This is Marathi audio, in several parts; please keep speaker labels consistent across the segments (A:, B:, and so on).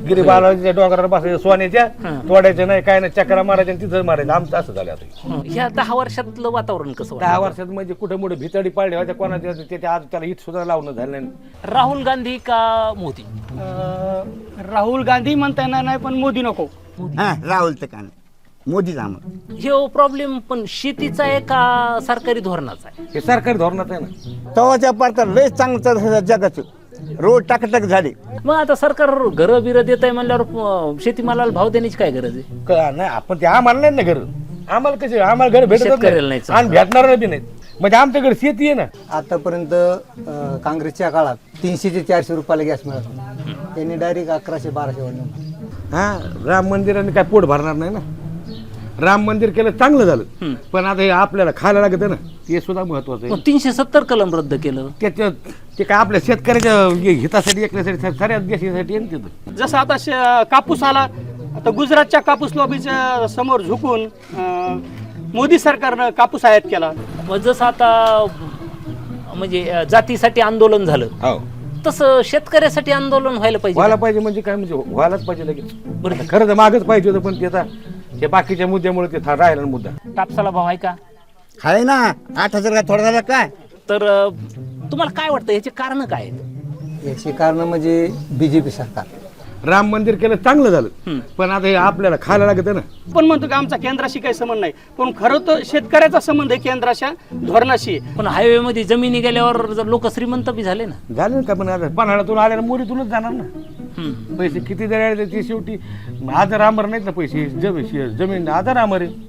A: गिरी बालाजीच्या डोंगरावर बसायचं सोन्याच्या तोडायचं नाही काय नाही चक्रा मारायच्या आणि तिथं मारायचं आमचं असं झालं आता
B: ह्या 10 वर्षातलं वातावरण कसं
A: 10 वर्षात म्हणजे कुठे मोठे भितडी पाडले होत्या कोणाच्या त्याच्या आज त्याला हित सुद्धा लावणं झालं नाही.
B: राहुल गांधी का मोदी?
C: राहुल गांधी म्हणता येणार नाही पण मोदी नको.
D: हा राहुल तर का मोदीच आम्हाला
B: हे प्रॉब्लेम पण शेतीचा आहे का सरकारी धोरणाचा आहे?
A: हे सरकारी धोरणात आहे ना.
D: तवाच्या पारता लय चांगलं चाललं जगाचं रोड टाकटाक झाले.
B: मग आता सरकार घरं बिरं देत आहे म्हणल्यावर शेतीमालाला भाव देण्याची काय गरज आहे?
A: नाही आपण ते आम्हाला नाही ना घर आम्हाला कसे आम्हाला घर भेटत
B: शेतकऱ्याला नाही
A: आणि भेटणार बी नाहीत म्हणजे आमच्याकडे शेती आहे ना.
E: आतापर्यंत काँग्रेसच्या काळात 300 ते 400 रुपयाला गॅस मिळत होता. त्यांनी डायरेक्ट 1100-1200 वाढवलं.
A: हा राम मंदिराने काय पोट भरणार नाही ना. राम मंदिर केलं चांगलं झालं पण आता हे आपल्याला खायला लागत ना ते सुद्धा महत्वाचं आहे.
B: मग 370 कलम रद्द केलं.
A: त्याच्यात ते काय आपल्या शेतकऱ्याच्या हितासाठी ऐकण्यासाठी सगळ्याच देशासाठी आहे ना तिथं.
C: जसं आता कापूस आला आता गुजरातच्या कापूस लॉबीच्या समोर झुकून मोदी सरकारनं कापूस आयात केला.
B: मग जसं आता म्हणजे जातीसाठी आंदोलन झालं
A: हो
B: तसं शेतकऱ्यासाठी आंदोलन व्हायला पाहिजे.
A: व्हायला पाहिजे म्हणजे काय म्हणजे व्हायलाच पाहिजे लगेच.
B: बरं
A: खरं तर मागच पाहिजे होतं पण ते आता हे बाकीच्या मुद्द्यामुळे ते राहिला मुद्दा.
B: कापसाला भाव आहे का?
D: आहे ना 8000 का थोडा झाला काय.
B: तर तुम्हाला काय वाटतं याचे कारण काय आहेत?
E: याची कारण म्हणजे बीजेपी सरकार.
A: राम मंदिर केलं चांगलं झालं पण आता हे आपल्याला खायला लागत ना.
C: पण म्हणतो की आमचा केंद्राशी काही संबंध नाही पण खरं तर शेतकऱ्याचा संबंध आहे केंद्राच्या धोरणाशी.
B: पण हायवे मध्ये जमिनी गेल्यावर जर लोक श्रीमंत बी झाले ना.
A: झालं ना का पण आता पन्हाळ्यातून आल्याला मोरीतूनच जाणार ना. पैसे किती जरी आले ते शेवटी आधार आमर नाहीत ना पैसे जमीन आधार आमर आहे.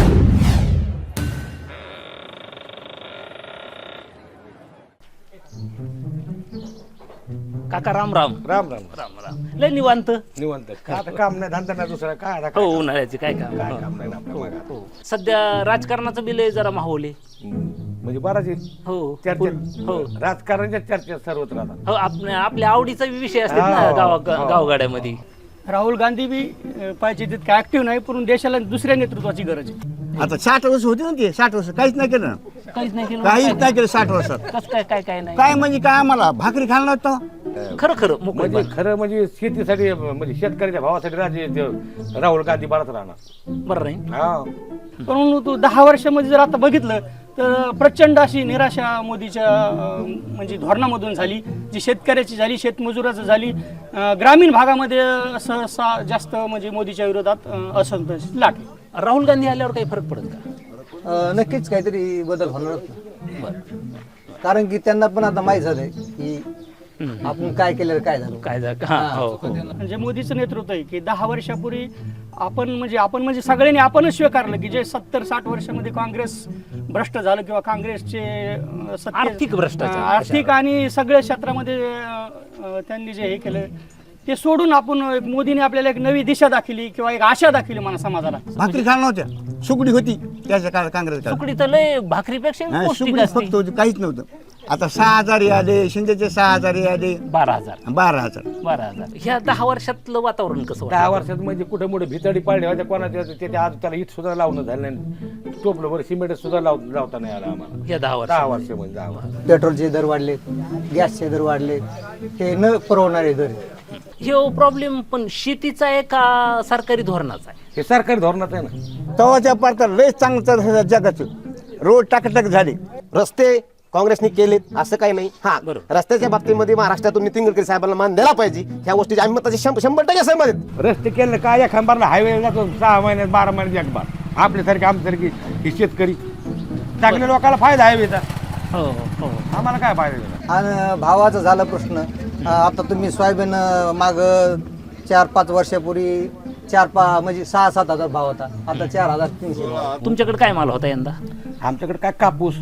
B: काका राम राम.
A: राम राम
B: राम राम. लय निवांत.
A: निवांत आता काम नाही धंदा नाही दुसरा काय आता
B: हो
A: काय
B: उन्हाळ्याचे काय काम.
A: काय काम नाही ना आपल्या मागात.
B: हो. सध्या राजकारणाचं बिल जरा माहोल आहे.
A: म्हणजे बराच आहे.
B: हो
A: चर्चा
B: हो
A: राजकारणाच्या चर्चा सर्वत्र राहतात.
B: हो आपल्या आवडीचा विषय असतात ना
A: हो, हो.
B: गावगाड्यामध्ये.
C: राहुल गांधी बी पाहिजे तितकं ऍक्टिव्ह नाही पण देशाला दुसऱ्या नेतृत्वाची गरज आहे.
D: आता 60 वर्ष होती ना ते 60 वर्ष काहीच नाही केलं.
B: काहीच नाही केलं.
D: काहीच नाही केलं 60 वर्षात.
B: कसं काय काय काय नाही.
D: काय म्हणजे काय आम्हाला भाकरी खायला नव्हतं.
B: खरं खरं मोकळं
A: म्हणजे खरं म्हणजे शेतीसाठी म्हणजे शेतकऱ्याच्या भावासाठी राजे राहुल गांधी बराच राहणार.
B: बरं नाही.
A: हा
C: पण तू 10 वर्षामध्ये जर आता बघितलं तर प्रचंड अशी निराशा मोदीच्या म्हणजे धोरणामधून झाली जी शेतकऱ्याची झाली शेतमजुराचं झाली. ग्रामीण भागामध्ये सहसा जास्त म्हणजे मोदीच्या विरोधात असंतोष लाटले.
B: राहुल गांधी आल्यावर काही फरक पडत का?
E: नक्कीच काहीतरी बदल होणारच ना. कारण की त्यांना पण आता माहीत झालंय की आपण काय केलं काय झालं.
B: काय झालं? हा, हो, हो.
C: म्हणजे मोदीचं नेतृत्व आहे की 10 वर्षापूर्वी आपण म्हणजे सगळ्यांनी आपणच स्वीकारलं की जे 70-60 वर्षामध्ये काँग्रेस भ्रष्ट झालं किंवा काँग्रेसचे
B: आर्थिक भ्रष्टाचार.
C: आर्थिक आणि सगळ्या क्षेत्रामध्ये त्यांनी जे हे केलं ते सोडून आपण मोदीने आपल्याला एक नवी दिशा दाखवली किंवा एक आशा दाखवली मला समाजाला.
D: भाकरी खायला नव्हत्या सुकडी होती त्याच्या काळात काँग्रेस काळात.
B: तुकडी तर लय भाकरीपेक्षा पौष्टिक
D: सुकडी
B: असते.
D: फक्त होती काहीच नव्हतं. आता 6000 आले शिंदेचे 6000 आले
B: 12,000.
D: 12,000.
B: 12,000. ह्या 10 वर्षातलं वातावरण कसं
A: 10 वर्षात म्हणजे कुठे मोठे भितडी पाडले होत्या कोणाच्या त्याच्या आज त्याला हित सुद्धा लावणं झालं नाही. टोपलं बरं सिमेंट सुद्धा लावता नाही आला आम्हाला.
B: या 10
A: 10
B: वर्ष
A: वर्ष म्हणजे 10 वर्ष.
E: पेट्रोलचे दर वाढले गॅसचे दर वाढले हे न परवडणारे दर.
B: हे प्रॉब्लेम पण शेतीचा आहे का सरकारी धोरणाचा आहे?
A: हे सरकारी धोरणात आहे ना.
D: तवाच्या पारता लय चांगलं चाललं जगाचं रोड टाकटाक झाले.
F: रस्ते काँग्रेसने केलेत असं काही नाही. हा
B: बरोबर.
F: रस्त्याच्या बाबतीमध्ये महाराष्ट्रातून नितीन गडकरी साहेबांना मान द्यायला पाहिजे. ह्या गोष्टीची आम्ही मताचे 100% सहमत आहेत.
A: रस्ते केले काय एखाद बारला हायवे जातो 6 महिन्यात 12 महिन्यात एक बार. आपल्यासारखे आमच्यासारखी ही शेतकरी चांगल्या लोकांना फायदा हायवेचा.
B: हो हो.
A: आम्हाला काय फायदा.
E: आणि भावाचा झाला प्रश्न. आता तुम्ही सोयाबीन माग 4-5 वर्षापूर्वी 4-5 म्हणजे 6-7 हजार भाव होता आता 4,300.
B: तुमच्याकडे काय माल होता यंदा?
A: आमच्याकडे काय कापूस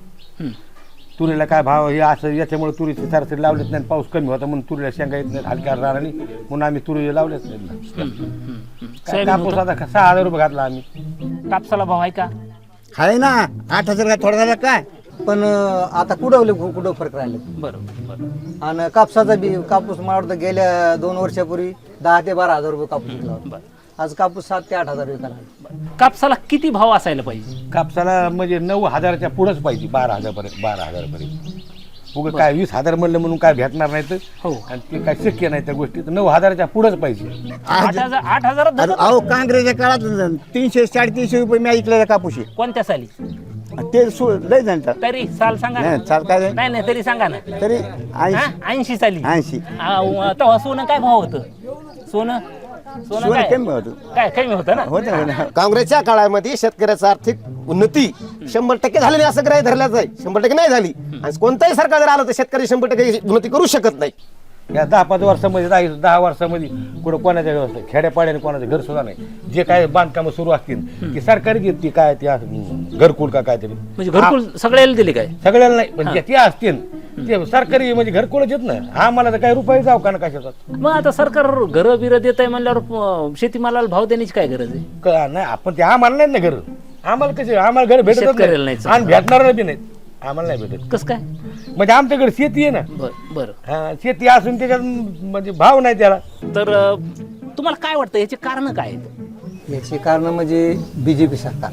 A: तुरीला काय भाव हे असं याच्यामुळे तुरीची सरासरी लावलेत नाही. पाऊस कमी होता म्हणून तुरीला शेंगा येत नाही हलक्या रानाने म्हणून आम्ही तुरी लावलेच नाही. काय कापूस आता 6,000 रुपये घातला आम्ही.
B: कापसाला भाव आहे का?
D: आहे ना 8000 का थोडा झाला काय.
E: पण आता कुठं फरक राहिले.
B: बरोबर.
E: आणि कापसाचा बी कापूस मला वाटतं गेल्या 2 वर्षापूर्वी 10 ते 12 हजार रुपये कापूस विकला होता. आज कापूस 7 ते 8 हजार विकायला.
B: कापसाला किती भाव असायला पाहिजे?
A: कापसाला म्हणजे 9,000च्या पुढंच पाहिजे 12,000 पर्यंत. उगं काय 20,000 म्हणलं म्हणून काय भेटणार नाही तर
B: हो.
A: आणि ते काय शक्य नाही त्या गोष्टी तर 9,000च्या पुढंच पाहिजे.
B: 8,000
D: अहो काँग्रेसच्या काळात 300-350 रुपये मी ऐकलेला कापूस आहे.
B: कोणत्या साली
D: ते लय जाणतात
B: तरी साल सांगा ना.
D: नाही चाल काय
B: नाही नाही तरी सांगा ना.
D: तरी
B: 80 साली
D: 80
B: तेव्हा सोनं काय भाव होतं? सोनं सोनं
D: सोनं
B: काय
D: कमी होतं.
B: काय कमी होतं ना.
D: होतं ना.
F: काँग्रेसच्या काळामध्ये शेतकऱ्याचं आर्थिक उन्नती 100% झालेली असं ग्राह्य धरल्याच आहे. 100% नाही झाली आणि कोणताही सरकार जर आलं तर शेतकरी 100% उन्नती करू शकत नाही.
A: या 10-5 वर्षामध्ये 10 वर्षामध्ये कुठं कोणाच्या खेड्यापाड्याने कोणाचं घर सुद्धा नाही. जे काय बांधकामं सुरू असतील ती सरकारी घेत ती काय ती घरकुल का काय तरी
B: म्हणजे घरकुल सगळ्याला दिले काय?
A: सगळ्याला नाही पण ते असतील ते सरकारी म्हणजे घरकुलच येत ना. आम्हाला तर काही रुपये जाऊ का ना कशाचा
B: मग आता सरकार घरं बिरं देत आहे म्हणल्यावर शेतीमालाला भाव देण्याची काय गरज आहे?
A: नाही आपण ते आम्हाला नाही ना घर. आम्हाला कसे आम्हाला घर भेटत
B: शेतकऱ्याला
A: नाही
B: नाही.
A: आणि भेटणार बी नाहीत. आम्हाला नाही भेटत
B: कसं काय?
A: म्हणजे आमच्याकडे शेती आहे ना.
B: बरं
A: हा, शेती असून त्याच्यात म्हणजे भाव नाही त्याला.
B: तर तुम्हाला काय वाटतं याचे कारण काय आहेत?
E: याची कारण म्हणजे बीजेपी सरकार,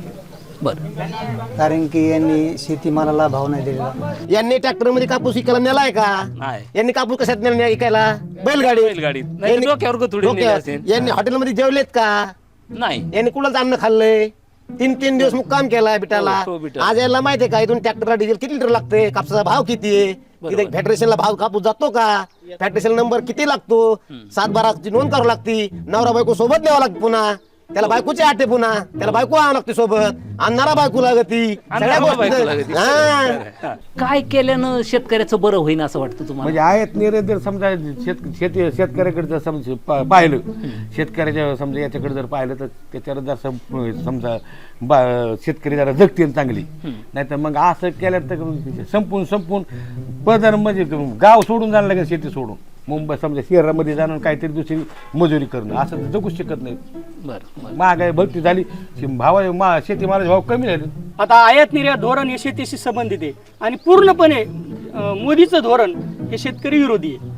B: बरं
E: कारण की यांनी शेतीमालाला भाव नाही दिलेला.
F: यांनी ट्रॅक्टर मध्ये कापूस विकायला नेलाय का?
B: नाही.
F: यांनी कापूस कशात नेला विकायला? बैलगाडी.
B: बैलगाडीत. नाही तर डोक्यावर गोधडी नेली असेल.
F: यांनी हॉटेलमध्ये जेवलेत का?
B: नाही.
F: यांनी कुणाचं अन्न खाल्लंय? 3 दिवस मुक्काम केलाय बिटाला.
B: हो, बिटाला.
F: आज याला माहितीये का इथून ट्रॅक्टरला डिझेल किती लिटर लागते? कापसाचा भाव किती आहे? तिथे फेडरेशनला भाव कापूस जातो का? फेडरेशन नंबर किती लागतो? 7-12 नोंद करावं लागती. नवरा बायको सोबत न्यावं लागतं पुन्हा. त्याला बायकोची आटे पुन्हा त्याला बायको आणावं लागते सोबत. आणणारा बायको लागती. सगळ्या
B: बायको लागती.
F: गोष्टी हा.
B: काय केल्यानं शेतकऱ्याचं बरं होईन असं वाटतं तुम्हाला?
A: म्हणजे आहेत निर्णय जर समजा शेतकऱ्याकडे जर समजा पाहिलं शेतकऱ्याच्या समजा याच्याकडे जर पाहिलं तर त्याच्यावर जर समजा शेतकरी जरा जगतील चांगली. नाही तर मग असं केलं तर संपून पदर म्हणजे गाव सोडून जाणं लागेल. शेती सोडून मुंबई समजा शहरामध्ये जाणं काहीतरी दुसरी मजुरी करणं असं तर जगू शकत नाही.
B: बरं
A: महागाई भरती झाली शेतीमालाचे भाव कमी झाले.
C: आता आयात निर्यात धोरण हे शेतीशी संबंधित आहे आणि पूर्णपणे मोदीचं धोरण हे शेतकरी विरोधी आहे.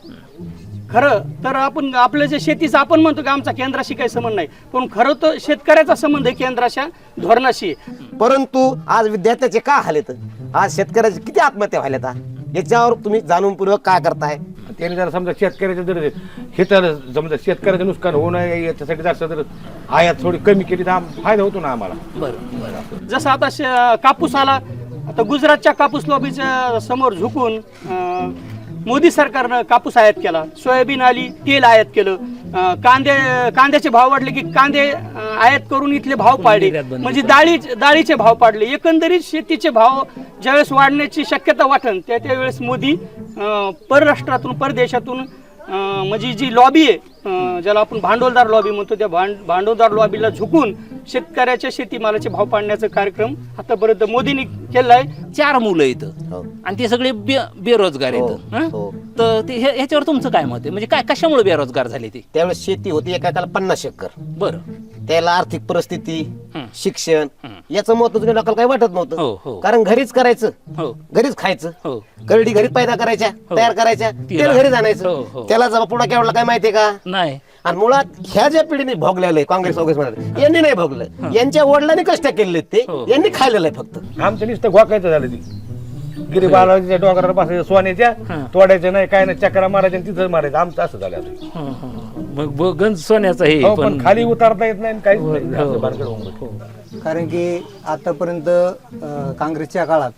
C: खरं तर आपण आपलं जे शेतीचं आपण म्हणतो की आमचा केंद्राशी काही संबंध नाही, पण खरं तर शेतकऱ्याचा संबंध आहे केंद्राच्या धोरणाशी.
F: परंतु आज विद्यार्थ्याचे का हालेत? आज शेतकऱ्याचे किती आत्महत्या व्हायला? याच्यावर तुम्ही जाणूनपूर्वक काय करताय?
A: त्याने जर समजा शेतकऱ्याचं जर हे तर समजा शेतकऱ्याचं नुकसान होऊ नये याच्यासाठी जास्त जर आयात थोडी कमी केली तर फायदा होतो ना आम्हाला.
B: बरं
C: जसं आता कापूस आला, आता गुजरातच्या कापूस लॉबीच्या समोर झुकून मोदी सरकारनं कापूस आयात केला. सोयाबीन आली, तेल आयात केलं. कांद्याचे भाव वाढले की कांदे आयात करून इथले भाव पाडले. म्हणजे डाळीचे भाव पाडले. एकंदरीत शेतीचे भाव ज्यावेळेस वाढण्याची शक्यता वाटेल त्यावेळेस मोदी परराष्ट्रातून परदेशातून म्हणजे जी लॉबी आहे ज्याला आपण भांडवलदार लॉबी म्हणतो त्या भांडवलदार लॉबीला झुकून शेतकऱ्याच्या शेतीमालाचे भाव पाडण्याचा कार्यक्रम आतापर्यंत मोदींनी केला आहे.
B: 4 मुलं इथं आणि ते सगळे बेरोजगार आहेत.
F: हो.
B: तर ते ह्याच्यावर तुमचं काय मत आहे? म्हणजे काय कशामुळे बेरोजगार झाले ते?
F: त्यावेळेस शेती होती एकाला 50 एकर.
B: बरं
F: त्याला आर्थिक परिस्थिती शिक्षण याचं महत्व तुम्ही लोकांना काही वाटत
B: हो,
F: नव्हतं.
B: हो.
F: कारण घरीच करायचं,
B: हो
F: घरीच खायचं,
B: हो
F: करडी घरीच पैदा करायच्या, तयार करायच्या, तेल घरीच
B: हो,
F: आणायचं.
B: हो.
F: त्याला जर पुढा केवढा काय माहितीये का?
B: नाही.
F: आणि मुळात ह्या ज्या पिढीने भोगलेलं आहे काँग्रेस मध्ये यांनी नाही भोगलं. यांच्या वडिलांनी कष्ट केलेले ते यांनी खाल्लेलं आहे फक्त.
A: आमचं नुसतं घोकायचं झालं ती गिरी बालाजीच्या डोंगरावर बसायचं सोन्याच्या तोडायचं नाही काय नाही चक्रा मारायच्या तिथं मारायचं. आमचं असं झालं आता.
B: मग गंज सोन्याचं हे
A: हो, पण खाली उतारता येत नाही काहीच नाही. असं बारकाईनं होऊन बसलं.
E: कारण की आतापर्यंत काँग्रेसच्या काळात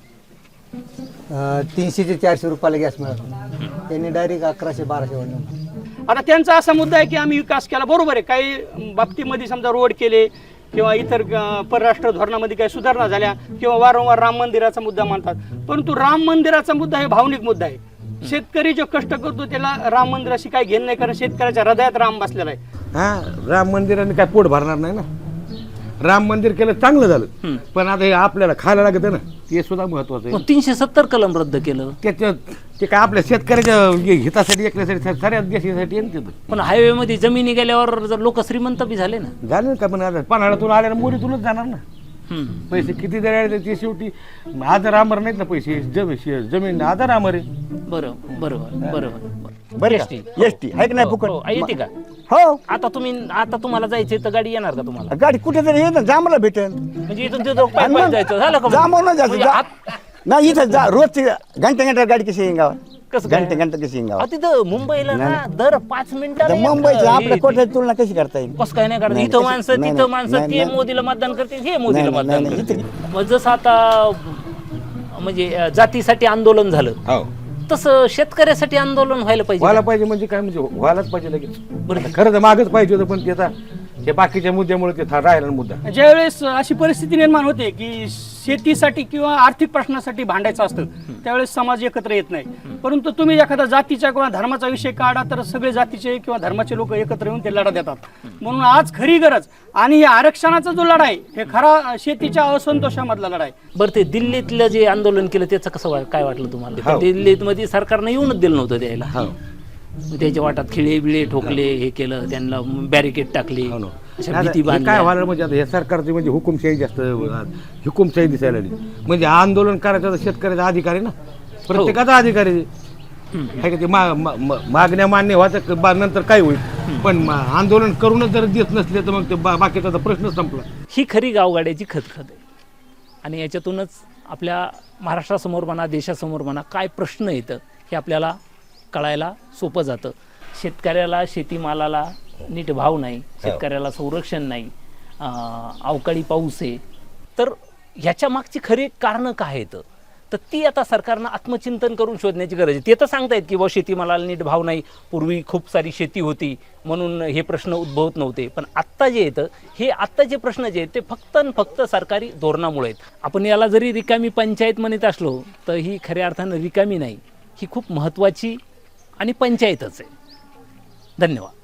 E: 300 ते 400 रुपयाला गॅस मिळत होता. त्यांनी डायरेक्ट 1100-1200 वाढवलं.
C: आता त्यांचा असा मुद्दा आहे की आम्ही विकास केला, बरोबर आहे. काही बाबतीमध्ये समजा रोड केले किंवा इतर परराष्ट्र धोरणामध्ये काही सुधारणा झाल्या किंवा वारंवार राम मंदिराचा मुद्दा मानतात. परंतु राम मंदिराचा मुद्दा हे भावनिक मुद्दा आहे. शेतकरी जो कष्ट करतो त्याला राम मंदिराशी काही घेणं नाही, कारण शेतकऱ्याच्या हृदयात राम बसलेला आहे.
A: हा राम मंदिराने काय पोट भरणार नाही ना. राम मंदिर केलं चांगलं झालं पण आता हे आपल्याला खायला लागतं ना ते सुद्धा महत्वाचं आहे.
B: 370 कलम रद्द केलं.
A: त्याच्यात ते काय आपल्या शेतकऱ्याच्या हितासाठी एकल्यासाठी सगळ्याच देशासाठी आहे ना तिथं.
B: पण हायवे मध्ये जमिनी गेल्यावर जर लोक श्रीमंत बी झाले ना.
A: झालं का पण आता पन्हाळ्यातून आल्या मोरीतूनच जाणार ना. पैसे किती जरी आले ते शेवटी आधार आमर नाहीत ना. पैसे जमीन आधार आमर आहे.
B: बरोबर
D: बरं
B: एसटी.
D: एसटी आहे की नाही फुकट?
B: येते का?
D: हो.
B: आता तुम्हाला जायचंय तर गाडी येणार का तुम्हाला?
D: गाडी कुठे तरी येत जांभला भेटेल.
B: म्हणजे इथून तिथं पायी जायचं झालं का?
D: जांभवून जायचं.
B: म्हणजे
D: नाही इथं जा रोजची घंटा गाडी कशी येईन गावात
B: कसं काय?
D: घंटा कशी येईन
B: अहो,
D: गावात
B: तिथं मुंबईला ना दर 5 मिनिटाला
D: तर मुंबईची
B: एक-
D: आपल्या
B: हे-
D: कोट्याची तुलना कशी करता येईल
B: कसं काय नाही करत
D: नाही,
B: इथं
D: नाही,
B: माणसं
D: नाही,
B: तिथं
D: नाही,
B: माणसं
D: नाही,
B: ते
D: नाही.
B: मोदीला मतदान करते हे मोदीला
D: नाही,
B: मतदान
D: नाही,
B: करते मग जसं आता म्हणजे जातीसाठी आंदोलन झालं
A: हो
B: तसं शेतकऱ्यासाठी आंदोलन व्हायला पाहिजे
A: व्हायला पाहिजे म्हणजे काय म्हणजे व्हायलाच पाहिजे लगेच
B: बरं.
A: आता खरं तर मागच पाहिजे होतं पण ते आता हे बाकीच्या मुद्द्यामुळे ते राहिला ना मुद्दा
C: ज्यावेळेस अशी परिस्थिती निर्माण होते की शेतीसाठी किंवा आर्थिक प्रश्नासाठी भांडायचं असतं त्यावेळेस समाज एकत्र येत नाही परंतु तुम्ही एखादा जातीचा किंवा धर्माचा विषय काढा तर सगळे जातीचे किंवा धर्माचे लोक एकत्र येऊन ते लढा देतात म्हणून आज खरी गरज आणि हे आरक्षणाचा जो लढा आहे हे खरा शेतीच्या असंतोषामधला लढा आहे.
B: बरं ते दिल्लीतलं जे आंदोलन केलं त्याचं कसं काय वाटलं तुम्हाला
A: हो.
B: दिल्लीत मध्ये सरकारनं येऊनच दिलं नव्हतं द्यायला
A: हो
B: त्याच्या वाटात खिळे बिळे ठोकले हे केलं त्यांना बॅरिकेड टाकली
A: हो ना.
B: अशा
A: आता
B: भीती
A: हे काय
B: बांधल्या
A: व्हायला म्हणजे आता हे सरकारची म्हणजे हुकुमशाही जास्त हुकुमशाही दिसायला लागली म्हणजे आंदोलन करायचा तर शेतकऱ्याचा अधिकार आहे ना प्रत्येकाचा अधिकार आहे आहे का ते मागण्या मान्य व्हायचं नंतर काय होईल पण आंदोलन करूनच जर देत नसले तर मग ते बाकीचा प्रश्न संपला.
B: ही खरी गावगाड्याची खतखत आहे आणि याच्यातूनच आपल्या महाराष्ट्रासमोर म्हणा देशासमोर म्हणा काय प्रश्न येतं हे आपल्याला कळायला सोपं जातं. शेतकऱ्याला शेतीमालाला नीट भाव नाही शेतकऱ्याला संरक्षण नाही अवकाळी पाऊस आहे तर ह्याच्या मागची खरी कारणं काय आहेत तर ती आता सरकारनं आत्मचिंतन करून शोधण्याची गरज आहे. ते तर सांगतायत की शेतीमालाला नीट भाव नाही पूर्वी खूप सारी शेती होती म्हणून हे प्रश्न उद्भवत नव्हते पण आत्ता जे येतं हे आत्ता जे प्रश्न जे आहेत ते फक्त आणि फक्त सरकारी धोरणामुळे आहेत. आपण याला जरी रिकामी पंचायत म्हणत असलो तर ही खऱ्या अर्थानं रिकामी नाही ही खूप महत्त्वाची आणि पंचायतच आहे. धन्यवाद.